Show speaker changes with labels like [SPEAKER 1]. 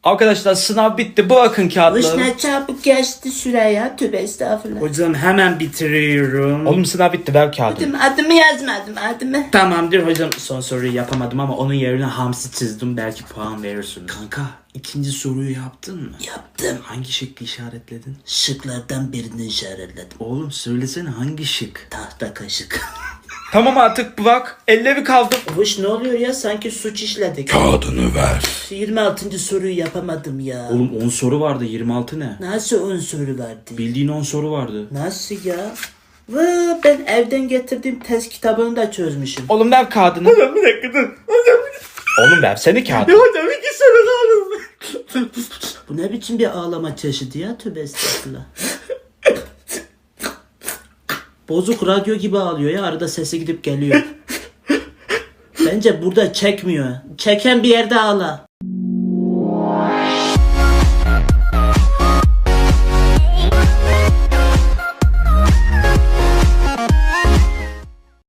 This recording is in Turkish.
[SPEAKER 1] Arkadaşlar sınav bitti. Bırakın kağıtları.
[SPEAKER 2] Ne çabuk geçti süre ya. Tövbe estağfurullah.
[SPEAKER 3] Hocam hemen bitiriyorum.
[SPEAKER 1] Oğlum sınav bitti. Ver kağıdını.
[SPEAKER 2] Adımı yazmadım adımı.
[SPEAKER 3] Tamamdır hocam. Son soruyu yapamadım ama onun yerine hamsi çizdim. Belki puan verirsin. Kanka ikinci soruyu yaptın mı?
[SPEAKER 2] Yaptım.
[SPEAKER 3] Hangi şıkkı işaretledin?
[SPEAKER 2] Şıklardan birini işaretledim.
[SPEAKER 3] Oğlum söylesene hangi şık?
[SPEAKER 2] Tahta kaşık.
[SPEAKER 1] Tamam artık bırak. Elleri kaldı.
[SPEAKER 2] Hoş ne oluyor ya sanki suç işledik.
[SPEAKER 4] Kağıdını ver.
[SPEAKER 2] 26. soruyu yapamadım ya.
[SPEAKER 3] Oğlum 10 soru vardı, 26 ne?
[SPEAKER 2] Nasıl 10 soru vardı?
[SPEAKER 3] Bildiğin 10 soru vardı.
[SPEAKER 2] Nasıl ya? Vaa ben evden getirdiğim test kitabını da çözmüşüm.
[SPEAKER 1] Oğlum ver kağıdını.
[SPEAKER 3] Hocam bir dakika dur. Hocam
[SPEAKER 1] Oğlum versene kağıdını.
[SPEAKER 3] hocam 2 soru kaldı.
[SPEAKER 2] Bu ne biçim bir ağlama çeşidi ya tövbe estağfurullah. Bozuk radyo gibi ağlıyor ya arada sesi gidip geliyor. Bence burada çekmiyor. Çeken bir yerde ağla.